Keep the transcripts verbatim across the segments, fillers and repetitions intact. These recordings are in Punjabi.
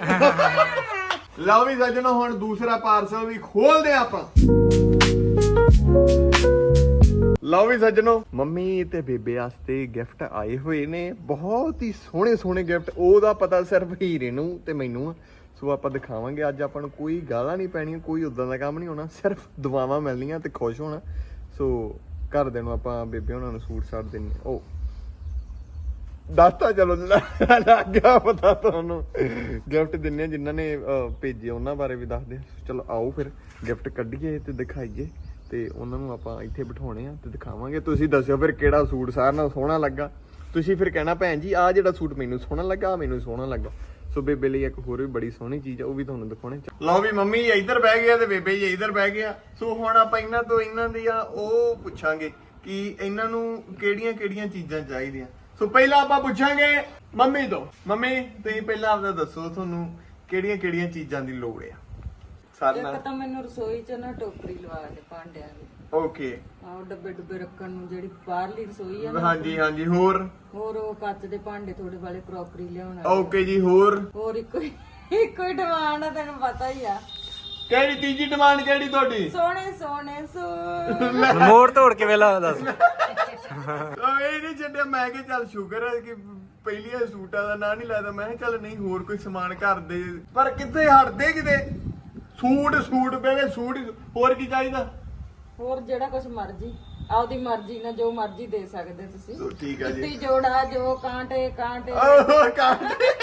ਲਓ ਵੀ ਸੱਜਣੋ ਹੁਣ ਦੂਸਰਾ ਪਾਰਸਲ ਵੀ ਖੋਲਦੇ ਆਪਾਂ। ਲਓ ਵੀ ਸੱਜਣੋ ਮੰਮੀ ਤੇ ਬੇਬੇ ਵਾਸਤੇ ਗਿਫਟ ਆਏ ਹੋਏ ਨੇ, ਬਹੁਤ ਹੀ ਸੋਹਣੇ ਸੋਹਣੇ ਗਿਫਟ। ਉਹਦਾ ਪਤਾ ਸਿਰਫ ਹੀਰੇ ਨੂੰ ਤੇ ਮੈਨੂੰ ਆ, ਸੋ ਆਪਾਂ ਦਿਖਾਵਾਂਗੇ। ਅੱਜ ਆਪਾਂ ਨੂੰ ਕੋਈ ਗਾਲਾਂ ਨਹੀਂ ਪੈਣੀਆਂ, ਕੋਈ ਉਦਾਂ ਦਾ ਕੰਮ ਨਹੀਂ ਹੋਣਾ, ਸਿਰਫ ਦੁਆਵਾਂ ਮਿਲਣੀਆਂ ਤੇ ਖੁਸ਼ ਹੋਣਾ। ਸੋ ਘਰਦਿਆਂ ਨੂੰ ਆਪਾਂ ਬੇਬੇ ਉਹਨਾਂ ਨੂੰ ਸੂਟ ਸਾਟ ਦਿੰਨੇ। ਉਹ ਦੱਸਤਾ ਚਲੋ ਲੱਗ ਗਿਆ ਪਤਾ ਤੁਹਾਨੂੰ। ਗਿਫਟ ਦਿੰਨੇ ਜਿਨ੍ਹਾਂ ਨੇ ਭੇਜੇ ਉਹਨਾਂ ਬਾਰੇ ਵੀ ਦੱਸਦੇ। ਚਲੋ ਆਓ ਫਿਰ ਗਿਫਟ ਕੱਢੀਏ ਤੇ ਦਿਖਾਈਏ, ਤੇ ਉਹਨਾਂ ਨੂੰ ਆਪਾਂ ਇੱਥੇ ਬਿਠਾਉਣੇ ਆ ਤੇ ਦਿਖਾਵਾਂਗੇ। ਤੁਸੀਂ ਦੱਸਿਓ ਫਿਰ ਕਿਹੜਾ ਸੂਟ ਸਾਰਿਆਂ ਨਾਲ ਸੋਹਣਾ ਲੱਗਾ। ਤੁਸੀਂ ਫਿਰ ਕਹਿਣਾ ਭੈਣ ਜੀ ਆਹ ਜਿਹੜਾ ਸੂਟ ਮੈਨੂੰ ਸੋਹਣਾ ਲੱਗਾ, ਮੈਨੂੰ ਸੋਹਣਾ ਲੱਗਾ। ਸੋ ਬੇਬੇ ਲਈ ਇੱਕ ਹੋਰ ਵੀ ਬੜੀ ਸੋਹਣੀ ਚੀਜ਼ ਆ, ਉਹ ਵੀ ਤੁਹਾਨੂੰ ਦਿਖਾਉਣੇ। ਲਓ ਵੀ ਮੰਮੀ ਇੱਧਰ ਬਹਿ ਗਿਆ ਤੇ ਬੇਬੇ ਜੀ ਇੱਧਰ ਬਹਿ ਗਿਆ। ਸੋ ਹੁਣ ਆਪਾਂ ਇਹਨਾਂ ਤੋਂ ਇਹਨਾਂ ਦੀਆਂ ਉਹ ਪੁੱਛਾਂਗੇ ਕਿ ਇਹਨਾਂ ਨੂੰ ਕਿਹੜੀਆਂ ਕਿਹੜੀਆਂ ਚੀਜ਼ਾਂ ਚਾਹੀਦੀਆਂ। ਸੋ ਪਹਿਲਾਂ ਆਪਾਂ ਪੁੱਛਾਂਗੇ ਮੰਮੀ ਤੋਂ। ਮੰਮੀ ਤੁਸੀਂ ਪਹਿਲਾਂ ਆਪਦਾ ਦੱਸੋ ਤੁਹਾਨੂੰ ਕਿਹੜੀਆਂ ਕਿਹੜੀਆਂ ਚੀਜ਼ਾਂ ਦੀ ਲੋੜ ਆ। ਇੱਕ ਤਾਂ ਮੈਨੂੰ ਰਸੋਈ ਚ ਨਾ ਟੋਕਰੀ ਲਵਾ ਦੇ ਭਾਂਡਿਆਂ ਦੀ। ਓਕੇ। ਆਹ ਡੱਬੇ ਡੁੱਬੇ ਰੱਖਣ ਨੂੰ ਜਿਹੜੀ ਬਾਹਰਲੀ ਰਸੋਈ ਆ ਨਾ। ਹਾਂਜੀ ਹਾਂਜੀ। ਹੋਰ ਹੋਰ ਉਹ ਕੱਚ ਦੇ ਭਾਂਡੇ ਥੋੜੇ ਵਾਲੇ ਕਰੋਕਰੀ ਲਿਆਉਣਾ। ਓਕੇ ਜੀ। ਹੋਰ ਹੋਰ ਇੱਕੋ ਇੱਕੋ ਹੀ ਡਿਮਾਂਡ ਆ, ਤੈਨੂੰ ਪਤਾ ਹੀ ਆ। ਕਿਹੜੀ ਤੀਜੀ ਡਿਮਾਂਡ ਕਿਹੜੀ ਤੁਹਾਡੀ? ਸੋਹਣੇ ਸੋਹਣੇ ਸੂਟ। ਮੋੜ ਤੋੜ ਕੇ ਵੇਲਾ ਦੱਸ। ਇਹ ਨਹੀਂ ਛੱਡਿਆ। ਮੈਂ ਕਿਹਾ ਚੱਲ ਸ਼ੁਕਰ ਹੈ ਕਿ ਪਹਿਲੀਆਂ ਸੂਟਾਂ ਦਾ ਨਾਂ ਨਹੀਂ ਲੈਦਾ। ਮੈਂ ਕਿਹਾ ਚੱਲ ਨਹੀਂ ਹੋਰ ਕੋਈ ਸਮਾਨ ਘਰ ਦੇ, ਪਰ ਕਿੱਥੇ ਹਟਦੇ ਕਿਤੇ। ਸੂਟ ਸੂਟ ਬੇਵੇ ਸੂਟ। ਹੋਰ ਕੀ ਚਾਹੀਦਾ? ਹੋਰ ਜਿਹੜਾ ਕੁਝ ਮਰਜ਼ੀ ਆਪਦੀ ਮਰਜ਼ੀ ਨਾਲ ਜੋ ਮਰਜ਼ੀ ਦੇ ਸਕਦੇ ਤੁਸੀਂ। ਸੋ ਠੀਕ ਆ ਜੀ। ਜੁੱਤੀ ਜੋੜਾ ਜੋ ਕਾਂਟੇ ਕਾਂਟੇ। ਓਹ ਕਾਂਟੇ।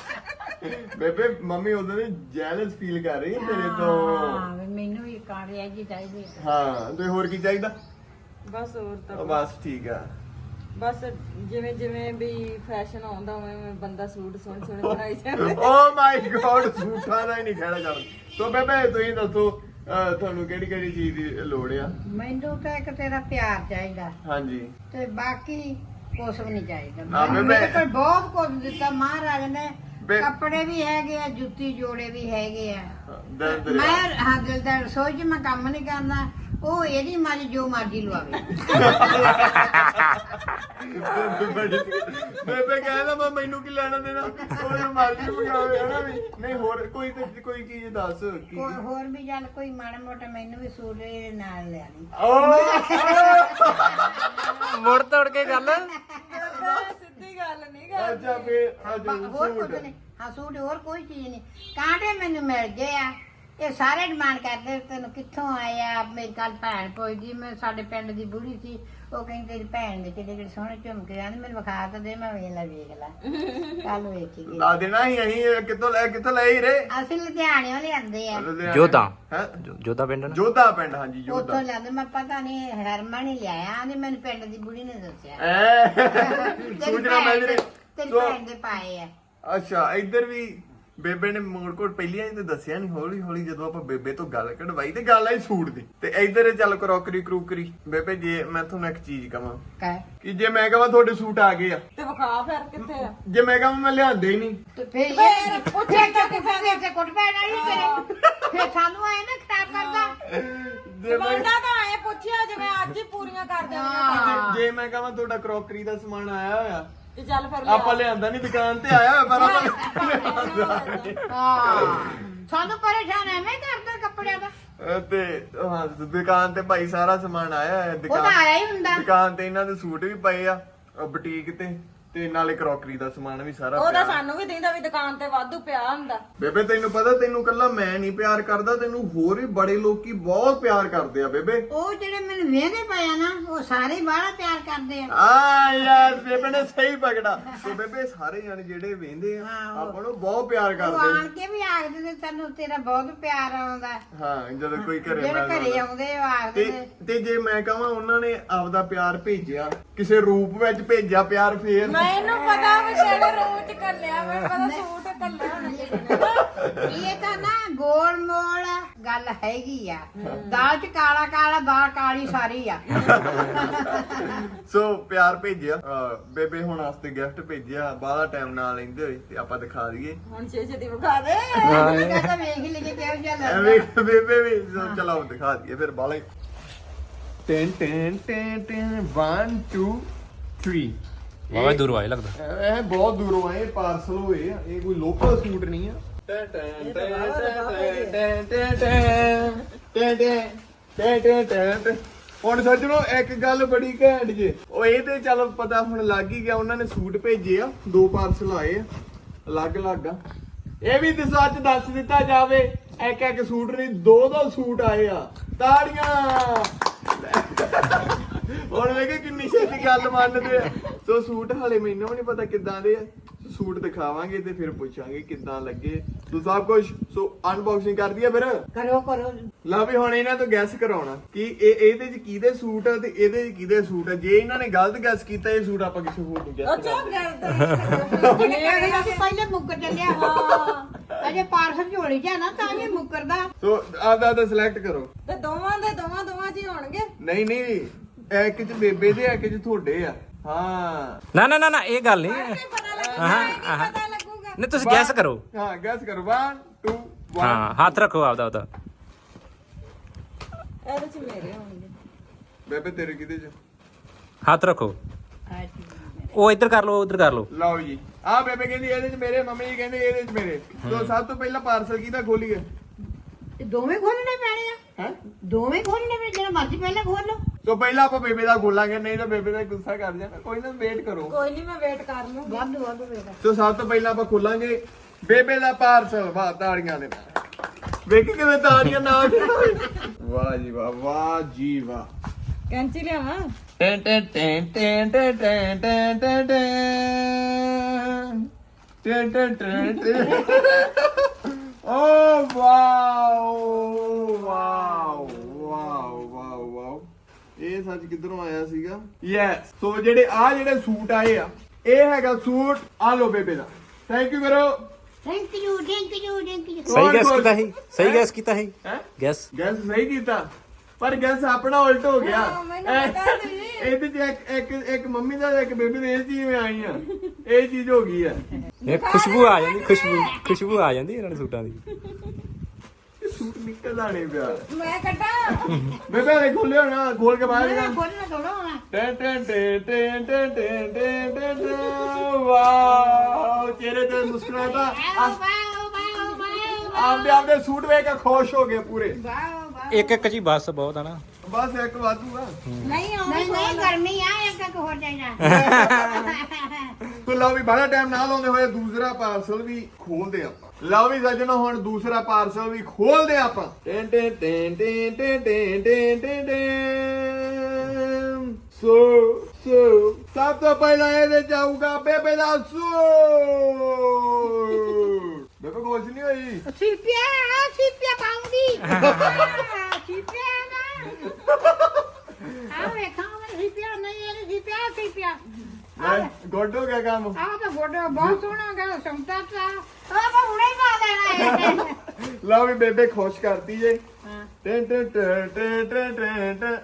ਬੇਬੇ ਮੰਮੀ ਉਹਦੇ ਨੇ ਜੈਲਸ ਫੀਲ ਕਰ ਰਹੀ ਹੈ ਤੇਰੇ ਤੋਂ। ਹਾਂ ਮੈਨੂੰ ਵੀ ਕਾਂਟੇ ਜੀ ਚਾਹੀਦੇ। ਹਾਂ ਤੇ ਹੋਰ ਕੀ ਚਾਹੀਦਾ? ਬਸ ਹੋਰ ਤਾਂ ਬਸ ਠੀਕ ਆ। ਬਸ ਜਿਵੇਂ ਜਿਵੇਂ ਵੀ ਫੈਸ਼ਨ ਆਉਂਦਾ ਉਵੇਂ ਬੰਦਾ ਸੂਟ ਸੋਹਣੇ ਸੋਹਣੇ ਬਣਾਈ ਜਾਂਦਾ। ਓ ਮਾਈ ਗॉड ਸੂਟਾਂ ਦਾ ਹੀ ਨਹੀਂ ਖੜਾ ਚੱਲ। ਸੋ ਬੇਬੇ ਤੁਸੀਂ ਦੱਸੋ ਤੁਹਾਨੂੰ ਕਿਹੜੀ ਕਿਹੜੀ ਚੀਜ਼ ਦੀ ਲੋੜ ਆ? ਮੈਨੂੰ ਤਾਂ ਇੱਕ ਤੇਰਾ ਪਿਆਰ ਚਾਹੀਦਾ ਹਾਂਜੀ ਤੇ ਬਾਕੀ ਕੁਛ ਵੀ ਨਹੀਂ ਚਾਹੀਦਾ। ਹਾਂ, ਮੈਨੂੰ ਮੈਂ- ਮੇਰੇ ਕੋਲ ਬਹੁਤ ਕੁਝ ਦਿੱਤਾ ਮਹਾਰਾਜ ਨੇ। ਬੇ- ਕੱਪੜੇ ਵੀ ਹੈਗੇ ਆ, ਜੁੱਤੀ ਜੋੜੇ ਵੀ ਹੈਗੇ ਆ। ਦਰ ਦਰ ਮੈਂ ਹਾਂ ਦਿਲ ਦਾ ਰਸੋਈ 'ਚ ਮੈਂ ਕੰਮ ਨਹੀਂ ਕਰਨਾ। ਉਹ ਇਹਦੀ ਮਰਜ਼ੀ ਜੋ ਮਰਜ਼ੀ ਲਵਾਵੇ। ਬੇਬੇ ਕਹਿੰਦਾ ਮੈਂ ਮੈਨੂੰ ਕੀ ਲੈਣਾ ਦੇਣਾ, ਉਹ ਮਰਜ਼ੀ ਮੰਗਾਵੇ ਹਨਾ ਵੀ। ਨਹੀਂ ਹੋਰ ਕੋਈ ਤੇ ਕੋਈ ਚੀਜ਼ ਦੱਸ ਕੀ। ਕੋਈ ਹੋਰ ਵੀ ਚੱਲ ਕੋਈ ਮਾੜਾ ਮੋਟਾ ਮੈਨੂੰ ਵੀ ਸੂਟ ਇਹਦੇ ਨਾਲ ਲਿਆ ਲਈ। ਮੋੜ ਤੋੜ ਕੇ ਗੱਲ। ਸਿੱਧੀ ਗੱਲ ਨਹੀਂ ਗਾ। ਅੱਛਾ ਫੇਰ ਅੱਜ ਹੋਰ ਕੁਝ ਨਹੀਂ। ਹਾਂ ਸੂਟ ਹੋਰ ਕੋਈ ਚੀਜ਼ ਨਹੀਂ। ਕਾਂਟੇ ਮੈਨੂੰ ਮਿਲ ਗਏ ਆ। ਇਹ ਸਾਰੇ ਡਿਮਾਂਡ ਕਰਦੇ ਤੈਨੂੰ ਕਿੱਥੋਂ ਆਏ ਆ। ਮੇਰੀ ਕੱਲ ਭੈਣ ਪੁੱਛਦੀ, ਮੈਂ ਸਾਡੇ ਪਿੰਡ ਦੀ ਬੁੜੀ ਸੀ, ਉਹ ਕਹਿੰਦੀ ਤੇਰੀ ਭੈਣ ਦੇ ਕਿਹੜੇ ਕਿਹੜੇ ਸੋਹਣੇ ਝੁਮਕੇ ਆਂਦੇ ਮੈਨੂੰ ਵਿਖਾ ਤਾਂ ਦੇ। ਮੈਂ ਵੇਖ ਲੈ ਵੇਖ ਲੈ ਕੱਲ ਵੇਖੀ ਗਈ। ਲਾ ਦੇਣਾ ਹੀ ਅਸੀਂ ਕਿੱਥੋਂ ਲੈ ਕਿੱਥੋਂ ਲੈ ਹੀ ਰੇ। ਅਸੀਂ ਲੁਧਿਆਣਿਓਂ ਲਿਆਂਦੇ ਆ। ਜੋਧਾ। ਹੈ ਜੋਧਾ ਪਿੰਡ ਨਾ। ਜੋਧਾ ਪਿੰਡ। ਹਾਂਜੀ ਉੱਥੋਂ ਜੋਧਾ। ਲਿਆਂਦੇ। ਮੈਂ ਪਤਾ ਨਹੀਂ ਹਰਮਨ ਹੀ ਲਿਆਇਆ। ਆਂਦੇ ਮੈਨੂੰ ਪਿੰਡ ਦੀ ਬੁੜੀ ਨੇ ਦੱਸਿਆ। ਐ ਤੇਰੀ ਸੂਚਨਾ ਮਿਲ ਭੈਣ ਰਹੀ। ਦੇ- ਤੇਰੀ ਸੋ ਭੈਣ ਦੇ ਪਾਏ ਆ। ਅੱਛਾ ਇੱਧਰ ਵੀ ਬੇਬੇ ਨੇ ਮੋੜ ਕੋਟ ਪਹਿਲੀਆਂ ਤੇ ਦੱਸਿਆ ਨਹੀਂ। ਹੌਲੀ ਹੌਲੀ ਜਦੋਂ ਆਪਾਂ ਬੇਬੇ ਤੋਂ ਗੱਲ ਕਢਵਾਈ ਤੇ ਗੱਲ ਆਈ ਸੂਟ ਦੀ, ਤੇ ਇੱਧਰ ਚੱਲ ਕਰੋਕਰੀ ਕਰੂਕਰੀ। ਬੇਬੇ ਜੇ ਮੈਂ ਤੁਹਾਨੂੰ ਇੱਕ ਚੀਜ਼ ਕਵਾਂ ਕਹਿ ਕਿ ਜੇ ਮੈਂ ਕਹਾਂ ਤੁਹਾਡੇ ਸੂਟ ਆ ਗਏ ਆ, ਤੇ ਵਿਖਾ ਫਿਰ ਕਿੱਥੇ ਆ। ਜੇ ਮੈਂ ਕਹਾਂ ਮੈਂ ਲਿਆਂਦੇ ਹੀ ਨਹੀਂ, ਤੇ ਫਿਰ ਫੇਰ ਇਹ ਉੱਥੇ ਉੱਥੇ ਤੱਕ ਫੇਰ ਤੇ ਕੁੱਟ ਪੈਣ ਵਾਲੀ ਤੇਰੇ। ਫਿਰ ਸਾਨੂੰ ਆਏ ਨਾ ਖਰਾਬ ਕਰਦਾ। ਜੇ ਮੈਂ ਬੰਦਾ ਤਾਂ ਆਏ ਪੁੱਛਿਆ ਜਿਵੇਂ ਅੱਜ ਹੀ ਪੂਰੀਆਂ ਕਰ ਦੇਣੀਆਂ। ਹਾਂ। ਜੇ ਮੈਂ ਕਹਾਂ ਤੁਹਾਡਾ ਕਰੋਕਰੀ ਦਾ ਸਮਾਨ ਆਇਆ ਹੋਇਆ, ਤੇ ਚੱਲ ਫਿਰ ਆਪਾਂ ਲਿਆਂਦਾ ਨਹੀਂ, ਦੁਕਾਨ ਤੇ ਆਇਆ ਹੋਇਆ ਪਰ ਆਪਾਂ ਹਾਂ ਸਾਨੂੰ ਪਰੇਸ਼ਾਨ ਐਵੇਂ ਕਰਦਾ ਕੱਪੜਿਆਂ ਦਾ। ਅਹ ਤੇ ਹਾਂ ਦੁਕਾਨ ਤੇ ਭਾਈ ਸਾਰਾ ਸਮਾਨ ਆਇਆ ਹੋਇਆ। ਉਹ ਤਾਂ ਆਇਆ ਹੀ ਹੁੰਦਾ। ਦੁਕਾਨ ਤੇ ਇਹਨਾਂ ਦੇ ਸੂਟ ਵੀ ਪਏ ਆ ਬੁਟੀਕ ਤੇ, ਤੇ ਨਾਲੇ ਕਰੋਕਰੀ ਦਾ ਸਮਾਨ ਵੀ ਸਾਰਾ ਉਹਦਾ ਪਿਆ। ਸਾਨੂੰ ਵੀ ਦਿੰਦਾ ਵੀ ਦੁਕਾਨ ਤੇ ਵਾਧੂ ਪਿਆ ਹੁੰਦਾ। ਬੇਬੇ ਤੈਨੂੰ ਪਤਾ ਤੈਨੂੰ ਕੱਲਾ ਮੈਂ ਨਹੀਂ ਪਿਆਰ ਕਰਦਾ, ਤੈਨੂੰ ਹੋਰ ਵੀ ਬੜੇ ਲੋਕੀ ਬਹੁਤ ਪਿਆਰ ਕਰਦੇ ਆ ਬੇਬੇ। ਉਹ ਜਿਹੜੇ ਮੈਨੂੰ ਵੇਹਦੇ ਪਏ ਆ ਨਾ ਉਹ ਸਾਰੇ ਬਾਹਲਾ ਪਿਆਰ ਕਰਦੇ ਆ। ਆ ਯਾਰ ਬੇਬੇ ਨੇ ਸਹੀ ਪਕੜਾ। ਤੇ ਬੇਬੇ ਸਾਰੇ ਜਣ ਜਿਹੜੇ ਵੇਂਦੇ ਆ ਹਾਂ, ਉਹ- ਆਪਾਂ ਨੂੰ ਬਹੁਤ ਪਿਆਰ ਉਹ ਕਰਦੇ ਆਣ ਕੇ ਵੀ ਆਖਦੇ ਨੇ ਤੈਨੂੰ ਤੇਰਾ ਬਹੁਤ ਪਿਆਰ ਆਉਂਦਾ। ਹਾਂ ਜਦੋਂ ਕੋਈ ਘਰੇ ਜਿਹੜੇ ਮਿਲਦਾ ਘਰੇ ਆਉਂਦੇ ਉਹ ਆਖਦੇ ਤੇ ਨੇ। ਤੇ ਜੇ ਮੈਂ ਕਹਾਂ ਉਹਨਾਂ ਨੇ ਆਪਦਾ ਪਿਆਰ ਭੇਜਿਆ ਕਿਸੇ ਰੂਪ ਵਿੱਚ ਭੇਜਿਆ ਪਿਆਰ, ਫੇਰ ਮੈਨੂੰ ਪਤਾ ਵੀ ਛੇੜੇ ਰੋਟ ਕੱਲਿਆ। ਮੈਂ ਪਤਾ ਸੂਟ ਕੱਲਿਆ ਹੋਣਾ ਜਿਹੜੇ ਇਹ ਤਾਂ ਨਾ ਗੋਲ ਮੋਲ ਗੱਲ ਹੈਗੀ ਆ। ਦਾਲ ਚ ਕਾਲਾ ਕਾਲਾ ਦਾਲ ਕਾਲੀ ਸਾਰੀ ਆ। ਸੋ ਪਿਆਰ ਭੇਜਿਆ। ਅਹ ਬੇਬੇ ਹੁਣ ਵਾਸਤੇ ਗਿਫਟ ਭੇਜਿਆ। ਬਾਹਲਾ ਟਾਈਮ ਨਾਲ ਲੈਂਦੇ ਹੋਏ ਤੇ ਆਪਾਂ ਦਿਖਾ ਦਈਏ। ਹੁਣ ਛੇ ਛੇ ਦੀ ਵਿਖਾ ਦੇ। ਮੈਂ ਕਹਿੰਦਾ ਵੇਖ ਹੀ ਲਈਏ ਕਿਹੋ ਜਿਹਾ ਲੱਗਦਾ। ਐਵੇਂ ਬੇਬੇ ਵੀ ਸੋ ਚਲਾਓ ਦਿਖਾ ਦਈਏ ਫਿਰ ਬਾਹਲਾ ten ten ten ten one two three ਵਾਵਾ ਦੂਰ ਆਏ ਲੱਗਦਾ। ਇਹ ਬਹੁਤ ਦੂਰੋਂ ਆਏ ਪਾਰਸਲ ਹੋਏ ਆ, ਇਹ ਕੋਈ ਲੋਕਲ ਸੂਟ ਨਹੀਂ ਆ। ਟੈਂ ਟੈਂ ਟੈਂ ਟੈਂ ਟੈਂ ਟੈਂ ਟੈਂ ਟੈਂ ਟੈਂ ਟੈਂ ਟੈਂ। ਹੁਣ ਸੱਜਣੋ ਇੱਕ ਗੱਲ ਬੜੀ ਘੈਂਟ ਜੇ, ਉਹ ਇਹ ਤੇ ਚੱਲ ਪਤਾ ਹੁਣ ਲੱਗ ਹੀ ਗਿਆ, ਉਹਨਾਂ ਨੇ ਸੂਟ ਭੇਜੇ ਆ, ਦੋ ਪਾਰਸਲ ਆਏ ਆ ਅਲੱਗ ਅਲੱਗ ਆ। ਇਹ ਵੀ ਤੇ ਸੱਚ ਦੱਸ ਦਿੱਤਾ ਜਾਵੇ, ਇੱਕ ਇੱਕ ਸੂਟ ਨਹੀਂ ਦੋ ਦੋ ਸੂਟ ਆਏ ਆ। ਤਾੜੀਆਂ। ਹੁਣ ਵੇਖੇ ਕਿੰਨੀ ਛੇਤੀ ਗੱਲ ਮੰਨਦੇ ਆ। ਸੋ ਸੂਟ ਹਾਲੇ ਮੈਨੂੰ ਵੀ ਨਹੀਂ ਪਤਾ ਕਿੱਦਾਂ ਦੇ ਆ, ਸੂਟ ਦਿਖਾਵਾਂਗੇ ਤੇ ਫਿਰ ਪੁੱਛਾਂਗੇ ਕਿੱਦਾਂ ਲੱਗੇ ਸੋ ਸਭ ਕੁਝ। ਸੋ ਅਨਬਾਕਸਿੰਗ ਕਰ ਦਈਏ ਫਿਰ। ਕਰੋ ਕਰੋ। ਲਾ ਵੀ ਹੁਣ ਇਹਨਾਂ ਤੋਂ ਗੈਸ ਕਰਾਉਣਾ ਕਿ ਇਹ ਇਹਦੇ ਚ ਕਿਹਦੇ ਸੂਟ ਆ ਤੇ ਇਹਦੇ ਚ ਕਿਹਦੇ ਸੂਟ ਆ। ਜੇ ਇਹਨਾਂ ਨੇ ਗਲਤ ਗੈਸ ਕੀਤਾ ਇਹ ਸੂਟ ਆਪਾਂ ਕਿਸੇ ਹੋਰ ਨੂੰ ਗੈਸ ਅੱਛਾ ਕਰਾਂਗੇ। ਇਹ ਪਹਿਲੇ ਮੁੱਕਰ ਚੱਲਿਆ। ਹਾਂ ਅਜੇ ਪਾਰਸਲ ਝੋਲੀ ਚ ਆ ਨਾ ਤਾਂ ਇਹ ਮੁੱਕਰਦਾ। ਸੋ ਆਪਦਾ ਆਪਦਾ ਸਿਲੈਕਟ ਕਰੋ। ਤੇ ਦੋਵਾਂ ਦੇ ਦੋਵਾਂ ਦੋਵਾਂ ਚ ਹੀ ਹੋਣਗੇ। ਨਹੀਂ ਨਹੀਂ ਇੱਕ ਚ ਬੇਬੇ ਦੇ ਇੱਕ ਚ ਤੁਹਾਡੇ ਆ। ਹਾਂ ਨਾ ਨਾ ਨਾ ਨਾ ਇਹ ਗੱਲ ਨਹੀਂ। ਪਤਾ ਲੱਗੂਗਾ ਹਾਂ ਹਾਂ ਪਤਾ ਲੱਗੂਗਾ। ਨਹੀਂ ਤੁਸੀਂ ਗੈਸ ਕਰੋ। ਹਾਂ ਗੈਸ ਕਰੋ। one two one। ਹਾਂ ਹੱਥ ਰੱਖੋ ਆਪਦਾ ਉਹਦਾ। ਇਹਦੇ ਚ ਮੇਰੇ ਹੋਣਗੇ। ਬੇਬੇ ਤੇਰੇ ਕਿਹਦੇ ਚ? ਹੱਥ ਰੱਖੋ। ਉਹ ਇੱਧਰ ਕਰ ਲਓ ਉਧਰ ਕਰ ਲਓ। ਲਓ ਜੀ ਆ ਬੇਬੇ ਕਹਿੰਦੀ ਇਹਦੇ ਚ ਮੇਰੇ, ਮੰਮੀ ਜੀ ਕਹਿੰਦੇ ਇਹਦੇ ਚ ਮੇਰੇ। ਸੋ ਸਭ ਤੋਂ ਪਹਿਲਾਂ ਪਾਰਸਲ ਕਿਹਦਾ ਖੋਲੀਏ? ਇਹ ਦੋਵੇਂ ਖੋਲਣੇ ਪੈਣੇ ਆ। ਹੈ ਦੋਵੇਂ ਖੋਲਣੇ ਪੈਣੇ, ਜਿਹੜਾ ਮਰਜ਼ੀ ਪਹਿਲਾਂ ਖੋਲ ਲਓ। ਸੋ ਪਹਿਲਾਂ ਆਪਾਂ ਬੇਬੇ ਦਾ ਖੋਲਾਂਗੇ, ਨਹੀਂ ਤਾਂ ਬੇਬੇ ਦਾ ਗੁੱਸਾ ਕਰ ਜਾਣਾ। ਕੋਈ ਨਾ ਵੇਟ ਕਰੋ। ਕੋਈ ਨਹੀਂ ਮੈਂ ਵੇਟ ਕਰ ਲੂੰ। ਵਾਧੂ ਵਾਧੂ ਵੇਦਾ। ਸੋ ਸਭ ਤੋਂ ਪਹਿਲਾਂ ਆਪਾਂ ਖੋਲਾਂਗੇ ਬੇਬੇ ਦਾ ਪਾਰਸਲ। ਵਾਹ ਤਾੜੀਆਂ ਦੇ ਨਾਲ ਵੇਖੀ ਕਿਵੇਂ ਤਾੜੀਆਂ ਨਾਲ। ਵਾਹ ਜੀ ਵਾਹ, ਵਾਹ ਜੀ ਵਾਹ। ਕੈਂਚੀ ਲਿਆਵਾਂ। ਟੈਂ ਟੈਂ ਟੈਂ ਟੈਂ ਟੈਂ ਟੈਂ ਟੈਂ ਟੈਂ ਟੈਂ ਟੈਂ ਟੈਂ ਟੈਂ। ਓ wow wow wow wow wow. ਇਹ ਸੱਚ ਕਿੱਧਰੋਂ ਆਇਆ ਸੀਗਾ? ਯੈਸ। ਸੋ ਜਿਹੜੇ ਆ ਜਿਹੜੇ ਸੂਟ ਆਏ ਆ, ਇਹ ਹੈਗਾ ਸੂਟ। ਆ ਲੋ ਬੇਬੇ ਦਾ। ਥੈਂਕ ਯੂ ਕਰੋ। Thank you thank you thank you. ਸਹੀ ਗੈਸ ਕੀਤਾ ਸੀ। ਸਹੀ ਗੈਸ ਕੀਤਾ ਸੀ। ਹੈ ਗੈਸ ਗੈਸ ਸਹੀ ਕੀਤਾ, ਪਰ ਗੈਸ ਆਪਣਾ ਉਲਟ ਹੋ ਗਿਆ। ਹਾਂ, ਮੈਨੂੰ ਪਤਾ ਸੀ। ਇਹਦੇ ਚ ਇੱਕ ਇੱਕ ਇੱਕ ਮੰਮੀ ਦਾ ਇੱਕ ਬੇਬੀ ਦੇ ਇਹ ਚੀਜ਼ ਵਿੱਚ ਆਈ ਆ। ਇਹ ਚੀਜ਼ ਹੋ ਗਈ ਆ। ਇਹ ਖੁਸ਼ਬੂ ਆ ਜਾਂਦੀ। ਖੁਸ਼ਬੂ ਖੁਸ਼ਬੂ ਆ ਜਾਂਦੀ ਇਹਨਾਂ ਦੇ ਸੂਟਾਂ ਦੀ। ਇਹ ਸੂਟ ਨਿਕਲਦਾ ਨਹੀਂ ਪਿਆ। ਮੈਂ ਕੱਢਾਂ। ਬੇਬੇ ਨੇ ਖੋਲਿਆ ਨਾ, ਖੋਲ ਕੇ ਬਾਹਰ ਨਿਕਾਲ। ਖੋਲਣਾ ਥੋੜਾ ਹੋਣਾ। ਟੈਂ ਟੈਂ ਟੈਂ ਟੈਂ ਟੈਂ ਟੈਂ ਟੈਂ ਟੈਂ ਟੈਂ। ਵਾਓ ਚਿਹਰੇ ਤੇ ਮੁਸਕਰਾਤਾ। Wow wow wow wow. ਆਪਦੇ ਆਪਦੇ ਸੂਟ ਵੇਖ ਕੇ ਖੁਸ਼ ਹੋ ਗਏ ਪੂਰੇ। Wow wow. ਇੱਕ ਇੱਕ ਜੀ ਬਸ ਬਹੁਤ ਆ ਨਾ। ਬਸ ਇੱਕ ਵਾਧੂ ਆ। ਨਹੀਂ ਆਉਂਦੀ। ਨਹੀਂ ਨਹੀਂ ਗਰਮੀ ਆ, ਇੱਕ ਇੱਕ ਹੋਰ ਚਾਹੀਦਾ। ਤੋ ਲਓ ਵੀ ਬੜਾ ਟਾਈਮ ਨਾ ਲਾਉਂਦੇ ਹੋਏ ਦੂਸਰਾ ਪਾਰਸਲ ਵੀ ਖੋਲਦੇ ਆਪਾਂ। ਲਓ ਵੀ ਸੱਜਣੋ ਹੁਣ ਦੂਸਰਾ ਪਾਰਸਲ ਵੀ ਖੋਲਦੇ ਆਪਾਂ। ਟੈਂ ਟੈਂ ਟੈਂ ਟੈਂ ਟੈਂ ਟੈਂ ਟੈਂ ਟੈਂ ਟੈਂ। ਸੋ ਸੋ ਸਭ ਤੋਂ ਪਹਿਲਾਂ ਇਹਦੇ ਚ ਆਊਗਾ ਬੇਬੇ ਦਾ ਸੂਟ। ਬੇਬੇ ਕੁਛ ਨਹੀਂ ਹੋਈ। ਸਿੱਪਿਆ ਸਿੱਪਿਆ ਪਾਉਂਗੀ। ਸਿੱਪਿਆ ਨਾ ਆ ਵੇਖਾਂ ਮੈਂ ਸਿੱਪਿਆ ਨਹੀਂ, ਇਹ ਸਿੱਪਿਆ ਸਿੱਪਿਆ। ਗੁੱਡ ਹੋ ਗਿਆ ਕੰਮ। ਆਹ ਤਾਂ ਗੋਡਾ ਬਹੁਤ ਸੋਹਣਾ ਗਾ ਸੰਤਾ ਤਾ। ਆ ਮੈਂ ਹੁਣੇ ਹੀ ਪਾ ਦੇਣਾ ਹੈ। ਲਓ ਵੀ ਬੇਬੇ ਖੁਸ਼ ਕਰਤੀ ਜੇ। ਹਾਂ। ਟੈਂ ਟੈਂ ਟੈਂ ਟੈਂ ਟੈਂ ਟੈਂ ਟੈਂ।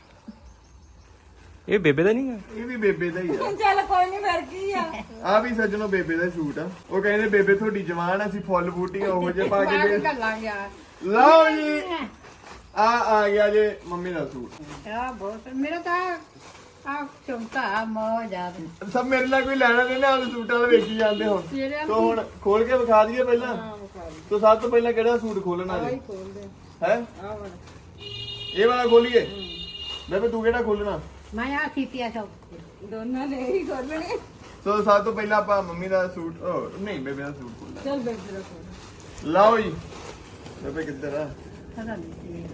ਇਹ ਬੇਬੇ ਦਾ ਨਹੀਂ ਆ। ਇਹ ਵੀ ਬੇਬੇ ਦਾ ਹੀ ਆ। ਚੱਲ ਕੋਈ ਨਹੀਂ ਫਿਰ ਕੀ ਆ। ਆ ਵੀ ਸੱਜਣੋ ਬੇਬੇ ਦਾ ਸੂਟ ਆ। ਉਹ ਕਹਿੰਦੇ ਬੇਬੇ ਤੁਹਾਡੀ ਜਵਾਨ, ਅਸੀਂ ਫੁੱਲ ਬੂਟੀਆਂ ਉਹੋ ਜਿਹੇ ਪਾ ਕੇ ਦੇ। ਗੱਲਾਂ ਗਿਆ। ਲਓ ਜੀ ਆ ਆ ਗਿਆ ਜੇ ਮੰਮੀ ਦਾ ਸੂਟ। ਆ ਬਹੁਤ ਮੇਰਾ ਤਾਂ ਆ ਚੌਂਕਾ ਮੌਜ ਆ। ਸਭ ਮੇਰੇ ਨਾਲ ਕੋਈ ਲੈਣਾ ਨਹੀਂ ਨਾ, ਉਹਦੇ ਸੂਟਾਂ ਵਾਲੇ ਵੇਖੀ ਜਾਂਦੇ ਹੁਣ। ਤੇਰੇ ਤੋ ਹੁਣ ਖੋਲ ਕੇ ਵਿਖਾ ਦਈਏ ਪਹਿਲਾਂ। ਤੋ ਸਭ ਤੋਂ ਪਹਿਲਾਂ ਕਿਹੜਾ ਸੂਟ ਖੋਲਣਾ ਜੀ? ਖੋਲਦੇ ਹੈ ਆ ਵਾਲਾ। ਇਹ ਵਾਲਾ ਖੋਲੀਏ। ਬੇਬੇ ਤੂੰ ਕਿਹੜਾ ਖੋਲਣਾ? ਮੈਂ ਆ ਸਿੱਪਿਆ ਸਭ। ਦੋਨਾਂ ਨੇ ਹੀ ਖੋਲਣੇ। ਸੋ ਸਭ ਤੋਂ ਪਹਿਲਾਂ ਆਪਾਂ ਮੰਮੀ ਦਾ ਸੂਟ ਉਹ ਨਹੀਂ ਬੇਬੇ ਦਾ ਸੂਟ ਖੋਲਣਾ। ਚੱਲ ਬੇਬੇ ਦਾ ਖੋਲ। ਲਓ ਜੀ ਬੇਬੇ ਕਿੱਧਰ ਆ? ਪਤਾ ਨਹੀਂ।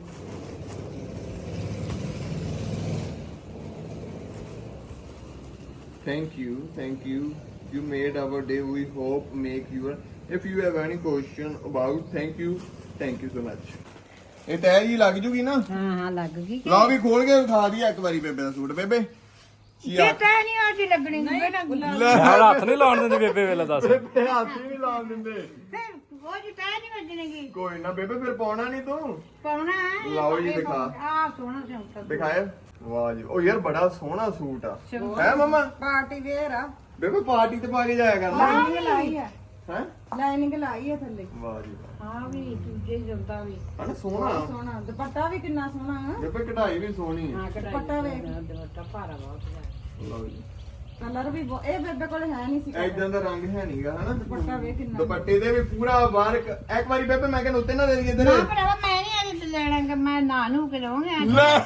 Thank you, thank you. You made our day. We hope make your. If you have any question about, thank you, thank you so much. ਇਹ ਟੈਗ ਹੀ ਲੱਗ ਜੂਗੀ ਨਾ? ਹਾਂ ਹਾਂ ਲੱਗ ਗਈ। ਲਓ ਵੀ ਖੋਲ ਕੇ ਵਿਖਾ ਦਈਏ ਇੱਕ ਵਾਰੀ ਬੇਬੇ ਦਾ ਸੂਟ। ਬੇਬੇ ਕੀ ਇਹ ਆ? ਤਾਂ ਨਹੀਂ ਆਦੀ ਲੱਗਣੀ ਬੇਟਾ। ਲੈ ਯਾਰ ਹੱਥ ਨਹੀਂ ਲਾਉਣ ਦਿੰਦੀ ਬੇਬੇ ਵੇਲਾ ਦੱਸ। ਬੇਬੇ ਹੱਥ ਹੀ ਨਹੀਂ ਲਾਉਣ ਦਿੰਦੇ। ਫਿਰ ਉਹ ਜੀ ਤਾਂ ਨਹੀਂ ਵੱਜਣਗੀ। ਕੋਈ ਨਾ ਬੇਬੇ ਫਿਰ ਪਾਉਣਾ ਨਹੀਂ ਤੂੰ। ਪਾਉਣਾ ਹੈ। ਲਓ ਜੀ ਦਿਖਾ। ਆ ਸੋਹਣਾ ਚੌਂਕਾ। ਦਿਖਾਏ। ਵਾਹ ਜੀ ਉਹ ਯਾਰ ਬੜਾ ਸੋਹਣਾ ਸੂਟ ਆ। ਸੋਹਣਾ। ਹੈ ਮਮਾ? ਪਾਰਟੀ ਵੇਅਰ ਆ। ਬੇਬੇ ਪਾਰਟੀ ਤੇ ਪਾ ਕੇ ਜਾਇਆ ਕਰਨਾ। ਲਾਈਨਿੰਗ ਲਾਈ ਆ। ਹੈ ਲਾਈਨਿੰਗ ਲਾਈ ਆ ਥੱਲੇ। ਵਾਹ ਜੀ ਵਾਹ। ਹਾਂ ਵੀ ਦੂਜੇ ਜੁਲਦਾ ਵੀ। ਹਨਾ ਸੋਹਣਾ। ਸੋਹਣਾ ਦੁਪੱਟਾ ਵੀ ਕਿੰਨਾ ਸੋਹਣਾ ਆ। ਬੇਬੇ ਕਢਾਈ ਵੀ ਸੋਹਣੀ ਹੈ। ਹਾਂ ਦੁਪੱਟਾ ਵੇਖ। ਦੁਪੱਟਾ ਭਾਰਾ ਬਹੁਤ ਹੈ। ਲਓ ਜੀ ਕਲਰ ਵੀ ਬਹੁਤ- ਇਹ ਬੇਬੇ ਕੋਲ ਹੈ ਨਹੀਂ ਸੀ ਐਦਾਂ ਦਾ ਰੰਗ ਹੈ ਨਹੀਂਗਾ ਹਨਾ ਦੁਪੱਟਾ ਵੇਖ ਕਿੰਨਾ ਦੁਪੱਟੇ ਦੇ ਵੀ ਪੂਰਾ ਵਰਕ ਇੱਕ ਵਾਰੀ ਬੇਬੇ ਮੈਂ ਕਹਿੰਦਾ ਉੱਤੇ ਨਾ ਦੇ ਦਈਏ ਨਾ ਤੇਰੇ ਭਰਾਵਾ ਮੈਂ ਨਹੀਂ ਅੱਜ ਲੈਣਾ ਗਾ, ਮੈਂ ਨਾ ਨੂੰ ਕੇ ਲਵਾਂਗੇ ਅੱਜ ਲੈ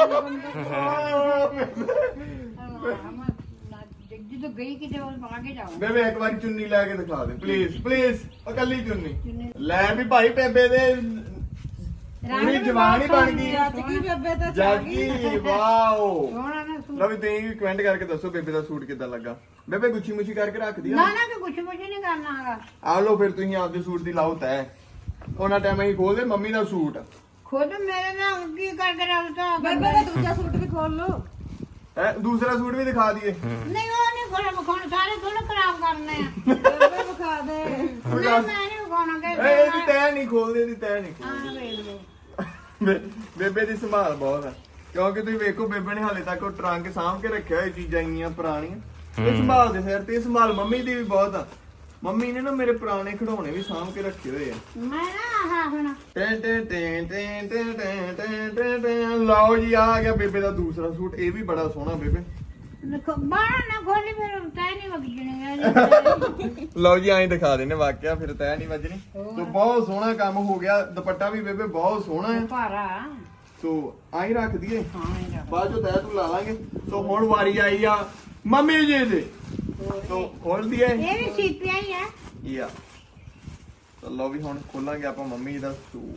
ਜਦੋਂ ਗਈ ਕਿਤੇ ਉਹ ਪਾ ਕੇ ਜਾਊਂ ਬੇਬੇ ਇੱਕ ਵਾਰੀ ਚੁੰਨੀ ਲੈ ਕੇ ਦਿਖਾ ਦੇ ਪਲੀਜ਼ ਪਲੀਜ਼ ਇਕੱਲੀ ਚੁੰਨੀ ਲੈ ਵੀ ਭਾਈ ਬੇਬੇ ਦੇ ਪੂਰੀ ਜਵਾਨ ਹੀ ਬਣ ਗਈ ਜੱਜ ਕੀ ਬੇਬੇ ਤਾਂ ਚਾ ਗਈ ਜਾਗੀ ਵਾਓ ਸੋਹਣਾ ਨਾ ਸੂਟ ਲਓ ਵੀ ਤੁਸੀਂ ਵੀ ਕਮੈਂਟ ਕਰਕੇ ਦੱਸੋ ਬੇਬੇ ਦਾ ਸੂਟ ਕਿੱਦਾਂ ਲੱਗਾ ਬੇਬੇ ਗੁੱਛੀ ਮੁੱਛੀ ਕਰਕੇ ਰੱਖਦੀ ਨਾ ਆ ਨਾ ਤੂੰ ਕੁਛ ਮੁਛ ਨਹੀਂ ਕਰਨਾ ਹੈਗਾ ਆ ਲਓ ਫਿਰ ਤੁਸੀਂ ਆਪਦੇ ਸੂਟ ਦੀ ਲਾਓ ਤੈ ਉਹਨਾਂ ਟਾਈਮ ਅਸੀਂ ਖੋਲਦੇ ਮੰਮੀ ਦਾ ਸੂਟ ਖੁਦ ਮੇਰੇ ਨਾਲ ਕੀ ਕਰਕੇ ਰੱਖਦਾ ਬੇਬੇ ਦਾ ਦੂਜਾ ਸੂਟ ਵੀ ਖੋਲ ਲੋ ਹੈ ਦੂਸਰਾ ਸੂਟ ਵੀ ਦਿਖਾ ਦਈਏ ਨਹੀਂ ਉਹ ਨਹੀਂ ਖੋਣਾ ਮਖਾਉਣ ਸਾਰੇ ਥੋੜਾ ਖਰਾਬ ਕਰਨੇ ਆ ਬੇਬੇ ਵਿਖਾ ਦੇ ਨਾ ਮੈਂ ਨਹੀਂ ਮਖਾਉਣਾ ਕਿ ਇਹ ਇਹਦੀ ਤੈ ਨਹੀਂ ਖੋਲਦੇ ਇਹਦੀ ਤੈ ਨਹੀਂ ਹਾਂ ਖੋਲਦੇ ਵੇਖ ਲਓ ਬੇ- ਬੇਬੇ ਦੀ ਸੰਭਾਲ ਬਹੁਤ ਆ ਕਿਉਂਕਿ ਤੁਸੀਂ ਵੇਖੋ ਬੇਬੇ ਨੇ ਹਾਲੇ ਤੱਕ ਉਹ ਟਰੰਕ ਸਾਂਭ ਕੇ ਰੱਖਿਆ ਹੋਇਆ ਚੀਜ਼ਾਂ ਇੰਨੀਆਂ ਪੁਰਾਣੀਆਂ ਇਹ ਸੰਭਾਲ ਦੇ ਸਿਰ ਤੇ ਇਹ ਸੰਭਾਲ ਮੰਮੀ ਦੀ ਵੀ ਬਹੁਤ ਆ ਮੰਮੀ ਨੇ ਨਾ ਮੇਰੇ ਪੁਰਾਣੇ ਖਿਡੌਣੇ ਵੀ ਸਾਂਭ ਕੇ ਰੱਖੇ ਹੋਏ ਆ ਮੈਂ ਨਾ ਆਹ ਹੁਣ ਟੈਂ ਟੈਂ ਟੈਂ ਟੈਂ ਟੈਂ ਟੈਂ ਟੈਂ ਟੈਂ ਟੈਂ ਲਓ ਜੀ ਆ ਗਿਆ ਬੇਬੇ ਦਾ ਦੂਸਰਾ ਸੂਟ ਇਹ ਵੀ ਬੜਾ ਸੋਹਣਾ ਬੇਬੇ ਬਾਹਰ ਨਾ ਖੋਲੀ ਫਿਰ ਤੈ ਨਹੀਂ ਵਗਜਣੇ ਲਓ ਜੀ ਐਂ ਦਿਖਾ ਦੇਣੇ ਵਾਕਿਆ ਫਿਰ ਤੈ ਨਹੀਂ ਵੱਜਣੀ ਸੋ ਬਹੁਤ ਸੋਹਣਾ ਕੰਮ ਹੋ ਗਿਆ ਦੁਪੱਟਾ ਵੀ ਬੇਬੇ ਬਹੁਤ ਸੋਹਣਾ ਹੈ ਭਾਰਾ ਸੋ ਆਈ ਰੱਖ ਦਈਏ ਹਾਂ ਇਹ ਰੱਖ। ਬਾਅਦ ਚੋਂ ਤੈ ਤੂੰ ਲਾ ਲਾਂਗੇ ਸੋ ਹੁਣ ਵਾਰੀ ਆਈ ਆ ਮੰਮੀ ਜੀ ਦੇ ਸੋ ਖੋਲ ਦਈਏ ਇਹ ਵੀ ਸੀਪੀਆ ਹੀ ਆ ਯਾ ਤਾਂ ਲਓ ਵੀ ਹੁਣ ਖੋਲਾਂਗੇ ਆਪਾਂ ਮੰਮੀ ਦਾ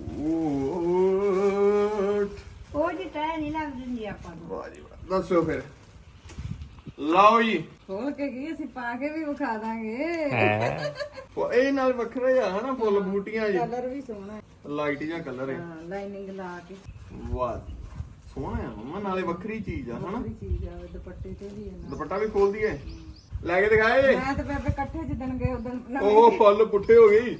ਸੂਟ ਉਹ ਜੀ ਤੈ ਨਹੀਂ ਲੱਗ ਦਿੰਦੀ ਆਪਾਂ ਨੂੰ ਵਾਹ ਜੀ ਵਾਹ ਦੱਸੋ ਫਿਰ ਲਓ ਜੀ ਖੋਲ ਕੇ ਕੀ ਅਸੀਂ ਪਾ ਕੇ ਵੀ ਵਿਖਾ ਦਾਂਗੇ ਹੈ ਉਹ ਇਹ ਨਾਲ ਵੱਖਰਾ ਜਿਹਾ ਹਨਾ ਫੁੱਲ ਬੂਟੀਆਂ ਜੀ ਕਲਰ ਵੀ ਸੋਹਣਾ ਹੈ ਲਾਈਟ ਜਿਹਾ ਕਲਰ ਹੈ ਹਾਂ ਲਾਈਨਿੰਗ ਲਾ ਕੇ ਵਾਹ ਸੋਹਣਾ ਆ ਮੰਮਾ ਨਾਲੇ ਵੱਖਰੀ ਚੀਜ਼ ਆ ਹਨਾ ਕੋਈ ਚੀਜ਼ ਆ ਦੁਪੱਟੇ ਤੇ ਵੀ ਹੈ ਦੁਪੱਟਾ ਵੀ ਖੋਲ ਦਈਏ ਲੈ ਕੇ ਦਿਖਾਏ ਮੈਂ ਤੇ ਬੇਬੇ ਇਕੱਠੇ ਜਿੱਦਣ ਗਏ ਉਦੋਂ ਉਹ ਫੁੱਲ ਪੁੱਠੇ ਹੋ ਗਈ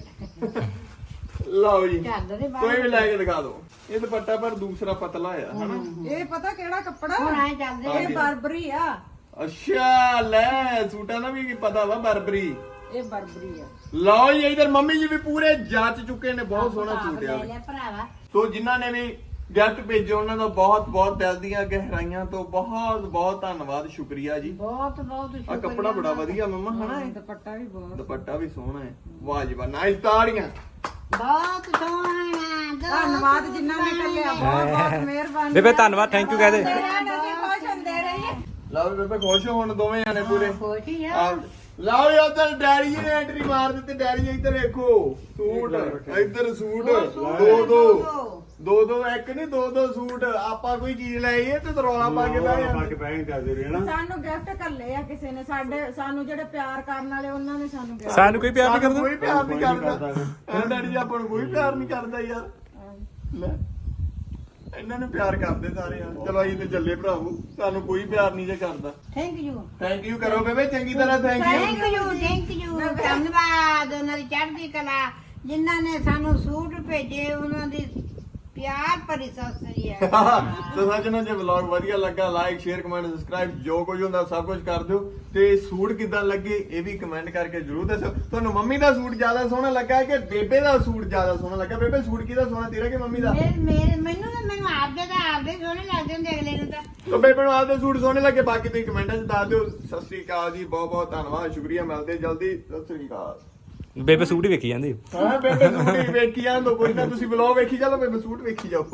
ਲਓ ਜੀ ਚੱਲ ਦੇ ਕੋਈ ਵੀ ਲੈ ਕੇ ਦਿਖਾ ਦਿਓ ਇਹ ਦੁਪੱਟਾ ਪਰ ਦੂਸਰਾ ਪਤਲਾ ਆ ਹਨਾ ਇਹ ਪਤਾ ਕਿਹੜਾ ਕੱਪੜਾ ਹੁਣ ਆਏ ਚੱਲਦੇ ਹਾਂ। ਇਹ ਬਰਬਰੀ ਆ ਅੱਛਾ ਲੈ ਸੂਟਾਂ ਦਾ ਵੀ ਪਤਾ ਵਾ ਬਰਬਰੀ ਇਹ ਬਰਬਰੀ ਆ ਲਓ ਜੀ ਇਧਰ ਮੰਮੀ ਜੀ ਵੀ ਪੂਰੇ ਜਾਂਚ ਚੁੱਕੇ ਨੇ ਬਹੁਤ ਸੋਹਣਾ ਸੂਟ ਆ ਲੈ ਲੈ ਭਰਾਵਾ ਸੋ ਜਿਨ੍ਹਾਂ ਨੇ ਵੀ ਗਿਫਟ ਭੇਜੇ ਉਹਨਾਂ ਦਾ ਬਹੁਤ ਬਹੁਤ ਦਿਲ ਦੀਆਂ ਗਹਿਰਾਈਆਂ ਤੋਂ ਬਹੁਤ ਬਹੁਤ ਧੰਨਵਾਦ ਸ਼ੁਕਰੀਆ ਜੀ ਬਹੁਤ ਬਹੁਤ ਆ ਸ਼ੁਕਰੀਆ ਕੱਪੜਾ ਬੜਾ ਵਧੀਆ ਮੰਮਾ ਹਨਾ ਇਹ? ਦੁਪੱਟਾ ਵੀ ਬਹੁਤ ਦੁਪੱਟਾ ਵੀ ਸੋਹਣਾ ਹੈ ਵਾਹ ਜੀ ਵਾਹ ਨਾਈਸ ਤਾੜੀਆਂ ਬਹੁਤ ਸੋਹਣਾ ਧੰਨਵਾਦ ਜਿਨ੍ਹਾਂ ਨੇ ਕੱਲਿਆ ਬਹੁਤ ਬਹੁਤ ਮਿਹਰਬਾਨੀ ਬੇਬੇ ਧੰਨਵਾਦ ਥੈਂਕ ਯੂ ਕਹਦੇ ਅਸੀਂ ਖੁਸ਼ ਹੁੰਦੇ ਰਹੀਏ ਲਓ ਵੀ ਬੇਬੇ ਖੁਸ਼ ਹੋ ਹੁਣ ਦੋਵੇਂ ਜਾਣੇ ਪੂਰੇ ਖੁਸ਼ੀ ਆ ਆ ਲਓ ਜੀ ਉਧਰ ਡੈਡੀ ਜੀ ਨੇ ਐਂਟਰੀ ਮਾਰ ਦਿੱਤੀ ਡੈਡੀ ਜੀ ਇੱਧਰ ਵੇਖੋ ਸੂਟ ਇੱਧਰ ਸੂਟ ਦੋ ਦੋ ਦੋ ਦੋ ਇੱਕ ਨਹੀਂ ਦੋ ਦੋ ਸੂਟ ਆਪਾਂ ਕੋਈ ਚੀਜ਼ ਲੈ ਆਈਏ ਤੇ ਰੌਲਾ ਪਾ ਕੇ ਬਹਿ ਜਾਂਦੇ ਸਾਨੂੰ ਗਿਫਟ ਕੱਲੇ ਆ ਕਿਸੇ ਨੇ ਸਾਡੇ ਸਾਨੂੰ ਜਿਹੜੇ ਪਿਆਰ ਕਰਨ ਵਾਲੇ ਉਹਨਾਂ ਨੇ ਸਾਨੂੰ gift- ਸਾਨੂੰ ਕੋਈ ਪਿਆਰ ਨਹੀਂ ਸਾਨੂੰ ਕਰਦਾ ਕੋਈ ਪਿਆਰ ਨਹੀਂ ਕਰਦਾ ਐ ਡੈਡੀ ਜੀ ਆਪਾਂ ਨੂੰ ਕੋਈ ਪਿਆਰ ਨਹੀਂ ਕਰਦਾ ਯਾਰ ਲੈ ਇਹਨਾਂ ਨੂੰ ਪਿਆਰ ਕਰਦੇ ਸਾਰੇ ਯਾਰ ਚਲੋ ਅਸੀਂ ਤੇ ਚੱਲੇ ਭਰਾਵੋ ਸਾਨੂੰ ਕੋਈ ਪਿਆਰ ਨਹੀਂ ਜੇ ਕਰਦਾ ਥੈਂਕ ਯੂ ਥੈਂਕ ਯੂ ਕਰੋ ਬੇਬੇ ਚੰਗੀ ਤਰ੍ਹਾਂ thank thank you you thank you ਧੰਨਵਾਦ ਉਹਨਾਂ ਦੀ ਚੜ੍ਹਦੀ ਕਲਾ ਜਿਨ੍ਹਾਂ ਨੇ ਸਾਨੂੰ ਸੂਟ ਭੇਜੇ ਉਹਨਾਂ ਦੀ ਪਿਆਰ ਭਰੀ ਸਤਿ ਸ੍ਰੀ ਅਕਾਲ ਤੇ ਸੱਜਣੋ ਜੇ ਵਲੌਗ ਵਧੀਆ ਲੱਗਾ ਲਾਈਕ ਸ਼ੇਅਰ ਕਮੈਂਟ ਸਬਸਕ੍ਰਾਈਬ ਜੋ ਕੁਝ ਹੁੰਦਾ ਸਭ ਕੁਝ ਕਰ ਦਿਓ ਤੇ ਸੂਟ ਕਿਦਾਂ ਲੱਗੇ ਇਹ ਵੀ ਕਮੈਂਟ ਕਰਕੇ ਜਰੂਰ ਦੱਸੋ ਤੁਹਾਨੂੰ ਮੰਮੀ ਦਾ ਸੂਟ ਜ਼ਿਆਦਾ ਸੋਹਣਾ ਲੱਗਾ ਕਿ ਬੇਬੇ ਦਾ ਸੂਟ ਜ਼ਿਆਦਾ ਸੋਹਣਾ ਲੱਗਾ ਬੇਬੇ ਸੂਟ ਕਿਹਦਾ ਸੋਹਣਾ ਤੇਰਾ ਕਿ ਮੰਮੀ ਦਾ ਮੇਰੇ ਮੇਰੇ ਮੈਨੂੰ ਤਾਂ ਮੈਨੂੰ ਆਪਦੇ ਤਾਂ ਆਪਦੇ ਸੋਹਣੇ ਲੱਗਦੇ ਹੁੰਦੇ ਅਗਲੇ ਨੂੰ ਤਾਂ ਤੋ ਬੇਬੇ ਨੂੰ ਆਪਦੇ ਸੂਟ ਸੋਹਣੇ ਲੱਗੇ ਬਾਕੀ ਤੁਸੀਂ ਕਮੈਂਟਾਂ 'ਚ ਦੱਸ ਦਿਓ ਸਤਿ ਸ੍ਰੀ ਅਕਾਲ ਜੀ ਬਹੁਤ ਬਹੁਤ ਧੰਨਵਾਦ ਸ਼ੁਕਰੀਆ ਮਿਲਦੇ ਜਲਦੀ ਸਤਿ ਸ੍ਰੀ ਅਕਾਲ ਬੇਬੇ ਸੂਟ ਹੀ ਵੇਖੀ ਜਾਂਦੀ ਹਾਂ ਬੇਬੇ ਸੂਟ ਹੀ ਵੇਖੀ ਜਾਂਦੋ ਕੋਈ ਨਾ ਤੁਸੀਂ ਵਲੌਗ ਵੇਖੀ ਚੱਲੋ ਬੇਬੇ ਸੂਟ ਵੇਖੀ ਜਾਓ